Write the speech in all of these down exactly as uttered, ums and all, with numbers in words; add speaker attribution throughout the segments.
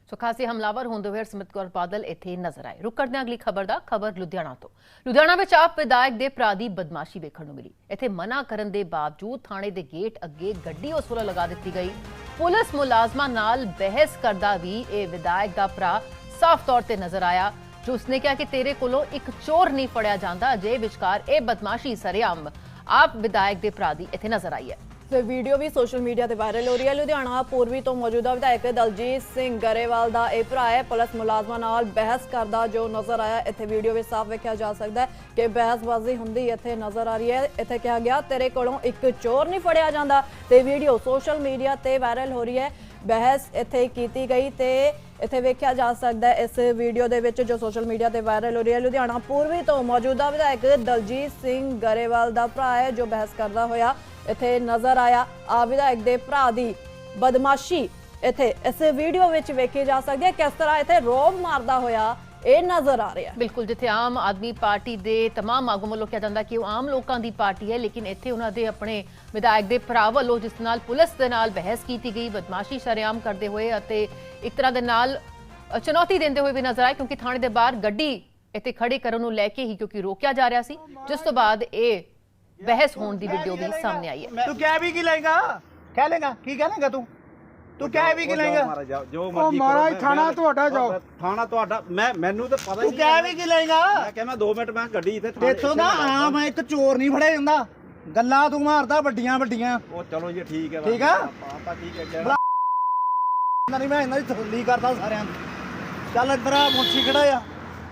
Speaker 1: ਸੋ ਖਾਸੀ ਹਮਲਾਵਰ ਹੁੰਦੇ ਹੋਏ ਹਰਸਿਮਰਤ ਕੌਰ ਬਾਦਲ ਇੱਥੇ ਨਜ਼ਰ ਆਏ। ਰੁਕ ਕਰਦੇ ਹਾਂ ਅਗਲੀ ਖਬਰ ਦਾ। ਖਬਰ ਲੁਧਿਆਣਾ ਤੋਂ। ਲੁਧਿਆਣਾ ਵਿੱਚ ਆਪ ਵਿਧਾਇਕ ਦੇ ਭਰਾ ਦੀ ਬਦਮਾਸ਼ੀ ਵੇਖਣ ਨੂੰ ਮਿਲੀ। ਇੱਥੇ ਮਨਾ ਕਰਨ ਦੇ ਬਾਵਜੂਦ ਥਾਣੇ ਦੇ ਗੇਟ ਅੱਗੇ ਗੱਡੀ ਉਸ ਵੱਲੋਂ ਲਗਾ ਦਿੱਤੀ ਗਈ। ਪੁਲਿਸ ਮੁਲਾਜ਼ਮਾਂ ਨਾਲ ਬਹਿਸ ਕਰਦਾ ਵੀ ਇਹ ਵਿਧਾਇਕ ਦਾ ਭਰਾ ਸਾਫ਼ ਤੌਰ ਤੇ ਨਜ਼ਰ ਆਇਆ, ਜੋ ਉਸਨੇ ਕਿਹਾ ਕਿ ਤੇਰੇ ਕੋਲੋਂ ਇੱਕ ਚੋਰ ਨਹੀਂ ਫੜਿਆ ਜਾਂਦਾ। ਅਜੇ ਵਿਚਕਾਰ ਇਹ ਬਦਮਾਸ਼ੀ ਸਰੇਆਮ ਆਪ ਵਿਧਾਇਕ ਦੇ ਭਰਾ ਦੀ ਇੱਥੇ ਨਜ਼ਰ ਆਈ ਹੈ।
Speaker 2: ਤੇ ਵੀਡੀਓ ਵੀ ਸੋਸ਼ਲ ਮੀਡੀਆ ਤੇ ਵਾਇਰਲ ਹੋ ਰਹੀ ਹੈ। ਲੁਧਿਆਣਾ ਪੂਰਬੀ ਤੋਂ ਮੌਜੂਦਾ ਵਿਧਾਇਕ ਦਲਜੀਤ ਸਿੰਘ ਗਰੇਵਾਲ ਦਾ ਇਹ ਭਰਾ ਹੈ ਪੁਲਿਸ ਮੁਲਾਜ਼ਮਾਂ ਨਾਲ ਬਹਿਸ ਕਰਦਾ ਜੋ ਨਜ਼ਰ ਆਇਆ। ਇੱਥੇ ਵੀਡੀਓ ਵਿੱਚ ਸਾਫ਼ ਵੇਖਿਆ ਜਾ ਸਕਦਾ ਹੈ ਕਿ ਬਹਿਸਬਾਜ਼ੀ ਹੁੰਦੀ ਇੱਥੇ ਨਜ਼ਰ ਆ ਰਹੀ ਹੈ। ਇੱਥੇ ਕਿਹਾ ਗਿਆ ਤੇਰੇ ਕੋਲੋਂ ਇੱਕ ਚੋਰ ਨਹੀਂ ਫੜਿਆ ਜਾਂਦਾ ਤੇ ਵੀਡੀਓ ਸੋਸ਼ਲ ਮੀਡੀਆ ਤੇ ਵਾਇਰਲ ਹੋ ਰਹੀ ਹੈ। ਬਹਿਸ ਇੱਥੇ ਕੀਤੀ ਗਈ ਤੇ ਇੱਥੇ ਵੇਖਿਆ ਜਾ ਸਕਦਾ ਹੈ ਇਸ ਵੀਡੀਓ ਦੇ ਵਿੱਚ ਜੋ ਸੋਸ਼ਲ ਮੀਡੀਆ ਤੇ ਵਾਇਰਲ ਹੋ ਰਹੀ ਹੈ। ਲੁਧਿਆਣਾ ਪੂਰਬੀ ਤੋਂ ਮੌਜੂਦਾ ਵਿਧਾਇਕ ਦਲਜੀਤ ਸਿੰਘ ਗਰੇਵਾਲ ਦਾ ਭਰਾ ਹੈ ਜੋ ਬਹਿਸ ਕਰਦਾ ਹੋਇਆ ਇੱਥੇ ਨਜ਼ਰ ਆਇਆ। ਆ ਵਿਧਾਇਕ ਦੇ ਭਰਾ ਦੀ ਬਦਮਾਸ਼ੀ ਇੱਥੇ ਇਸ ਵੀਡੀਓ ਵਿੱਚ ਵੇਖੀ ਜਾ ਸਕਦੀ ਹੈ। ਕਿਸ ਤਰ੍ਹਾਂ ਇੱਥੇ ਰੋਬ ਮਾਰਦਾ ਹੋਇਆ ਇਹ ਨਜ਼ਰ ਆ ਰਿਹਾ।
Speaker 1: ਬਿਲਕੁਲ, ਜਿੱਥੇ ਆਮ ਆਦਮੀ ਪਾਰਟੀ ਦੇ ਤਮਾਮ ਆਗੂ ਵੱਲੋਂ ਕਿਹਾ ਜਾਂਦਾ ਕਿ ਉਹ ਆਮ ਲੋਕਾਂ ਦੀ ਪਾਰਟੀ ਹੈ, ਲੇਕਿਨ ਇੱਥੇ ਉਹਨਾਂ ਦੇ ਆਪਣੇ ਵਿਧਾਇਕ ਦੇ ਭਰਾ ਵੱਲੋਂ ਜਿਸ ਨਾਲ ਪੁਲਿਸ ਦੇ ਨਾਲ ਬਹਿਸ ਕੀਤੀ ਗਈ, ਬਦਮਾਸ਼ੀ ਸ਼ਰੇਆਮ ਕਰਦੇ ਹੋਏ ਅਤੇ ਇੱਕ ਤਰ੍ਹਾਂ ਦੇ ਨਾਲ ਚੁਣੌਤੀ ਦਿੰਦੇ ਹੋਏ ਵੀ ਨਜ਼ਰ ਆਏ, ਕਿਉਂਕਿ ਥਾਣੇ ਦੇ ਬਾਹਰ ਗੱਡੀ ਇੱਥੇ ਖੜੀ ਕਰਨ ਨੂੰ ਲੈ ਕੇ ਹੀ ਕਿਉਂਕਿ ਰੋਕਿਆ ਜਾ ਰਿਹਾ ਸੀ, ਜਿਸ ਤੋਂ ਬਾਅਦ ਇਹ बहस होने की वीडियो भी सामने आई है।
Speaker 3: तू क्या भी की लेगा, क्या लेगा की क्या लेगा तू तू क्या भी की लेगा
Speaker 4: जो मर्जी
Speaker 3: महाराज थाना ਤੁਹਾਡਾ ਜਾਓ
Speaker 4: थाना ਤੁਹਾਡਾ मैं ਮੈਨੂੰ ਤਾਂ ਪਤਾ ਹੀ
Speaker 3: ਤੂੰ क्या भी की लेगा।
Speaker 4: ਮੈਂ ਕਿਹਾ ਮੈਂ ਦੋ ਮਿੰਟ ਮੈਂ ਗੱਡੀ ਇੱਥੇ
Speaker 3: ਦੇਖੋ ਨਾ ਆਮ ਇੱਕ ਚੋਰ ਨਹੀਂ ਫੜਿਆ ਜਾਂਦਾ, ਗੱਲਾਂ ਤੂੰ ਮਾਰਦਾ ਵੱਡੀਆਂ ਵੱਡੀਆਂ।
Speaker 4: ਉਹ ਚਲੋ ਜੀ ਠੀਕ ਹੈ
Speaker 3: ਠੀਕ ਆ
Speaker 4: ਆਪਾਂ ਠੀਕ ਹੈ
Speaker 3: ਨਹੀਂ ਮੈਂ ਇਹਨਾਂ ਦੀ ਤਸੱਲੀ ਕਰਦਾ ਸਾਰਿਆਂ ਦੀ। ਚੱਲ ਇੱਧਰ ਆ ਮੁੰਸ਼ੀ ਖੜਾ ਆ,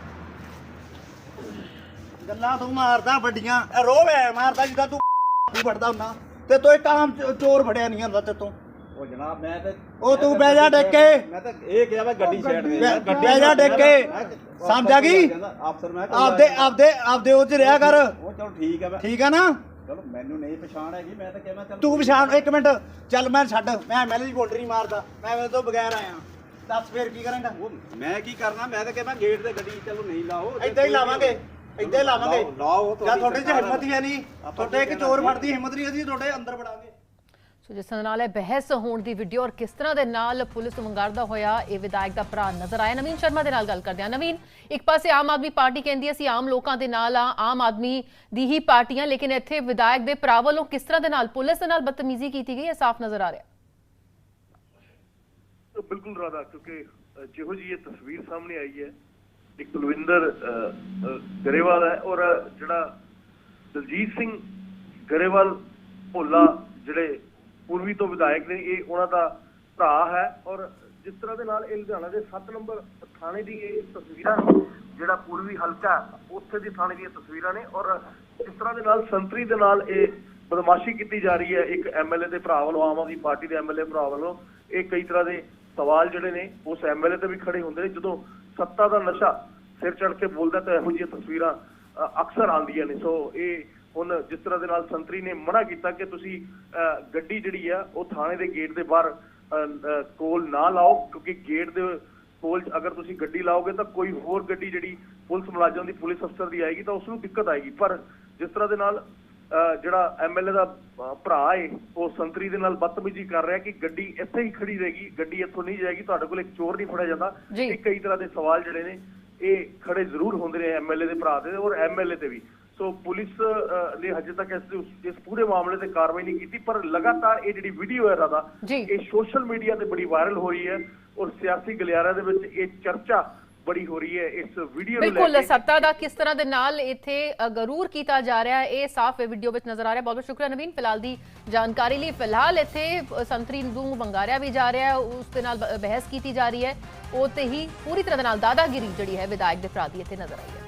Speaker 3: ਗੱਲਾਂ ਤੂੰ ਮਾਰਦਾ ਵੱਡੀਆਂ ਰੋਬ ਐ ਮਾਰਦਾ ਜਿੱਦਾਂ ਤੂੰ ਫੜਦਾ ਹੁੰਦਾ ਤੇ ਤੂੰ ਇੱਕ ਆਮ ਚੋਰ ਫੜਿਆ ਨਹੀਂ ਹੁੰਦਾ ਤੇ ਤੂੰ।
Speaker 4: ਉਹ ਜਨਾਬ ਮੈਂ ਤੇ
Speaker 3: ਉਹ ਤੂੰ ਬਹਿ ਜਾ ਡਿੱਗ ਕੇ,
Speaker 4: ਮੈਂ ਤਾਂ ਇਹ ਕਿਹਾ ਮੈਂ ਗੱਡੀ ਸਾਈਡ ਦੇ
Speaker 3: ਬਹਿ ਜਾ ਡਿੱਗ ਕੇ, ਸਮਝ ਆ ਗਈ।
Speaker 4: ਅਫਸਰ ਮੈਂ
Speaker 3: ਆਪਦੇ ਆਪਦੇ ਆਪਦੇ ਉਹ ਚ ਰਿਹਾ ਕਰ।
Speaker 4: ਉਹ ਚਲੋ ਠੀਕ ਹੈ
Speaker 3: ਠੀਕ ਆ ਨਾ।
Speaker 4: ਚਲੋ ਮੈਨੂੰ ਨਹੀਂ ਪਛਾਣ ਹੈਗੀ, ਮੈਂ ਤਾਂ ਕਿਹਾ ਮੈਂ ਚੱਲ
Speaker 3: ਤੂੰ ਪਛਾਣ ਇੱਕ ਮਿੰਟ ਚੱਲ ਮੈਂ ਛੱਡ, ਮੈਂ ਐਮਐਲਏ ਦੀ ਬੋਲਡਰ ਨਹੀਂ ਮਾਰਦਾ, ਮੈਂ ਮੇਰੇ ਤੋਂ ਬਗੈਰ ਆਇਆ। ਦੱਸ ਫੇਰ ਕੀ ਕਰਾਂਗਾ।
Speaker 4: ਉਹ ਮੈਂ ਕੀ ਕਰਨਾ, ਮੈਂ ਤਾਂ ਕਿਹਾ ਮੈਂ ਗੇਟ ਤੇ ਗੱਡੀ ਚਲੋ ਨਹੀਂ ਲਾਓ,
Speaker 3: ਏਦਾਂ ਹੀ ਲਾਵਾਂਗੇ ਇੱਦਾਂ ਹੀ ਲਾਵਾਂਗੇ।
Speaker 4: ਲਾਓ
Speaker 3: ਜਾਂ ਤੁਹਾਡੇ 'ਚ ਹਿੰਮਤ ਹੀ ਹੈ ਨਹੀਂ, ਤੁਹਾਡੇ ਇੱਕ ਚੋਰ ਫੜਦੀ ਹਿੰਮਤ ਨਹੀਂ, ਅਸੀਂ ਤੁਹਾਡੇ ਅੰਦਰ ਵੜਾਂਗੇ।
Speaker 1: ਸੋ ਜਿਸ ਨਾਲ ਇਹ ਬਹਿਸ ਹੋਣ ਦੀ ਵੀਡੀਓ ਔਰ ਕਿਸ ਤਰ੍ਹਾਂ ਦੇ ਨਾਲ ਪੁਲਿਸ ਨੂੰ ਵੰਗਾਰਦਾ ਹੋਇਆ ਇਹ ਵਿਧਾਇਕ ਦਾ ਭਰਾ ਨਜ਼ਰ ਆਇਆ। ਨਵੀਨ ਸ਼ਰਮਾ ਦੇ ਨਾਲ ਗੱਲ ਕਰਦੇ ਹਾਂ। ਨਵੀਨ, ਇੱਕ ਪਾਸੇ ਆਮ ਆਦਮੀ ਪਾਰਟੀ ਕਹਿੰਦੀ ਅਸੀਂ ਆਮ ਲੋਕਾਂ ਦੇ ਨਾਲ ਆ, ਆਮ ਆਦਮੀ ਦੀ ਹੀ ਪਾਰਟੀਆਂ, ਲੇਕਿਨ ਇੱਥੇ ਵਿਧਾਇਕ ਦੇ ਭਰਾ ਵੱਲੋਂ ਕਿਸ ਤਰ੍ਹਾਂ ਦੇ ਨਾਲ ਪੁਲਿਸ ਦੇ ਨਾਲ ਬਦਤਮੀਜ਼ੀ ਕੀਤੀ ਗਈ ਇਹ ਸਾਫ਼ ਨਜ਼ਰ ਆ ਰਿਹਾ।
Speaker 5: ਬਿਲਕੁਲ ਰਾਧਾ, ਕਿਉਂਕਿ ਜਿਹੋ ਜੀ ਇਹ ਤਸਵੀਰ ਸਾਹਮਣੇ ਆਈ ਹੈ, ਇੱਕ ਕੁਲਵਿੰਦਰ ਗਰੇਵਾਲ ਹੈ ਔਰ ਜਿਹੜਾ ਦਲਜੀਤ ਸਿੰਘ ਗਰੇਵਾਲ ਭੋਲਾ ਜਿਹੜੇ ਪੂਰਬੀ ਤੋਂ ਵਿਧਾਇਕ ਨੇ, ਇਹ ਉਹਨਾਂ ਦਾ ਭਰਾ ਹੈ। ਔਰ ਜਿਸ ਤਰ੍ਹਾਂ ਦੇ ਨਾਲ ਇਹ ਲੁਧਿਆਣਾ ਦੇ ਸੱਤ ਨੰਬਰ ਥਾਣੇ ਦੀ ਇਹ ਤਸਵੀਰਾਂ ਨੇ, ਜਿਹੜਾ ਪੂਰਬੀ ਹਲਕਾ ਉੱਥੇ ਦੀ ਥਾਣੇ ਦੀਆਂ ਤਸਵੀਰਾਂ ਨੇ, ਔਰ ਜਿਸ ਤਰ੍ਹਾਂ ਦੇ ਨਾਲ ਸੰਤਰੀ ਦੇ ਨਾਲ ਇਹ ਬਦਮਾਸ਼ੀ ਕੀਤੀ ਜਾ ਰਹੀ ਹੈ ਇੱਕ ਐਮਐਲਏ ਦੇ ਭਰਾ ਵੱਲੋਂ, ਆਮ ਆਦਮੀ ਪਾਰਟੀ ਦੇ ਐਮਐਲਏ ਭਰਾ ਵੱਲੋਂ। ਇਹ ਕਈ ਤਰ੍ਹਾਂ ਦੇ ਸਵਾਲ ਜਿਹੜੇ ਨੇ ਉਸ ਐਮਐਲਏ ਤੇ ਵੀ ਖੜੇ ਹੁੰਦੇ ਨੇ। ਜਦੋਂ ਸੱਤਾ ਦਾ ਨਸ਼ਾ ਸਿਰ ਚੜ ਕੇ ਬੋਲਦਾ ਤਾਂ ਇਹੋ ਜਿਹੀਆਂ ਤਸਵੀਰਾਂ ਅਕਸਰ ਆਉਂਦੀਆਂ ਨੇ। ਸੋ ਇਹ ਹੁਣ ਜਿਸ ਤਰ੍ਹਾਂ ਦੇ ਨਾਲ ਸੰਤਰੀ ਨੇ ਮਨਾ ਕੀਤਾ ਕਿ ਤੁਸੀਂ ਗੱਡੀ ਜਿਹੜੀ ਆ ਉਹ ਥਾਣੇ ਦੇ ਗੇਟ ਦੇ ਬਾਹਰ ਕੋਲ ਨਾ ਲਾਓ, ਕਿਉਂਕਿ ਗੇਟ ਦੇ ਕੋਲ ਅਗਰ ਤੁਸੀਂ ਗੱਡੀ ਲਾਓਗੇ ਤਾਂ ਕੋਈ ਹੋਰ ਗੱਡੀ ਜਿਹੜੀ ਪੁਲਿਸ ਮੁਲਾਜ਼ਮ ਦੀ, ਪੁਲਿਸ ਅਫਸਰ ਦੀ ਆਏਗੀ ਤਾਂ ਉਸ ਨੂੰ ਦਿੱਕਤ ਆਏਗੀ। ਪਰ ਜਿਸ ਤਰ੍ਹਾਂ ਦੇ ਨਾਲ ਜਿਹੜਾ ਐਮਐਲਏ ਦਾ ਭਰਾ ਏ ਉਹ ਸੰਤਰੀ ਦੇ ਨਾਲ ਬਦਤਮੀਜ਼ੀ ਕਰ ਰਿਹਾ ਕਿ ਗੱਡੀ ਇੱਥੇ ਹੀ ਖੜੀ ਰਹੇਗੀ, ਗੱਡੀ ਇੱਥੋਂ ਨਹੀਂ ਜਾਏਗੀ, ਤੁਹਾਡੇ ਕੋਲ ਇੱਕ ਚੋਰ ਨਹੀਂ ਫੜਿਆ ਜਾਂਦਾ। ਇਹ ਕਈ ਤਰ੍ਹਾਂ ਦੇ ਸਵਾਲ ਜਿਹੜੇ ਨੇ ਇਹ ਖੜੇ ਜ਼ਰੂਰ ਹੁੰਦੇ ਨੇ ਐਮਐਲਏ ਦੇ ਭਰਾ ਦੇ ਔਰ ਐਮਐਲਏ ਤੇ ਵੀ। ਸੋ ਪੁਲਿਸ ਨੇ ਹਜੇ ਤੱਕ ਇਸ ਇਸ ਪੂਰੇ ਮਾਮਲੇ ਤੇ ਕਾਰਵਾਈ ਨਹੀਂ ਕੀਤੀ, ਪਰ ਲਗਾਤਾਰ ਇਹ ਜਿਹੜੀ ਵੀਡੀਓ ਹੈ ਰਾਦਾ ਇਹ ਸੋਸ਼ਲ ਮੀਡੀਆ ਤੇ ਬੜੀ ਵਾਇਰਲ ਹੋ ਰਹੀ ਹੈ ਔਰ ਸਿਆਸੀ ਗਲਿਆਰਿਆਂ ਦੇ ਵਿੱਚ ਇਹ ਚਰਚਾ ਬੜੀ ਹੋ ਰਹੀ ਹੈ ਇਸ ਵੀਡੀਓ ਨੂੰ ਲੈ ਕੇ।
Speaker 1: ਬਿਲਕੁਲ, ਸੱਤਾ ਦਾ ਕਿਸ ਤਰ੍ਹਾਂ ਦੇ ਨਾਲ ਇੱਥੇ ਗਰੂਰ ਕੀਤਾ ਜਾ ਰਿਹਾ ਹੈ ਇਹ ਸਾਫ਼ ਵੀਡੀਓ ਵਿੱਚ ਨਜ਼ਰ ਆ ਰਿਹਾ। ਬਹੁਤ ਬਹੁਤ ਸ਼ੁਕਰੀਆ ਨਵੀਨ ਫਿਲਹਾਲ ਦੀ ਜਾਣਕਾਰੀ ਲਈ। ਫਿਲਹਾਲ ਇੱਥੇ ਸੰਤਰੀ ਨੂੰ ਵੰਗਾਰਿਆ ਵੀ ਜਾ ਰਿਹਾ ਹੈ, ਉਸ ਦੇ ਨਾਲ ਬਹਿਸ ਕੀਤੀ ਜਾ ਰਹੀ ਹੈ, ਉਹ ਤੇ ਹੀ ਪੂਰੀ ਤਰ੍ਹਾਂ ਦੇ ਨਾਲ ਦਾਦਾਗਿਰੀ ਜਿਹੜੀ ਹੈ ਵਿਧਾਇਕ ਦੇ ਭਰਾ ਦੀ ਇੱਥੇ ਨਜ਼ਰ ਆਈ ਹੈ।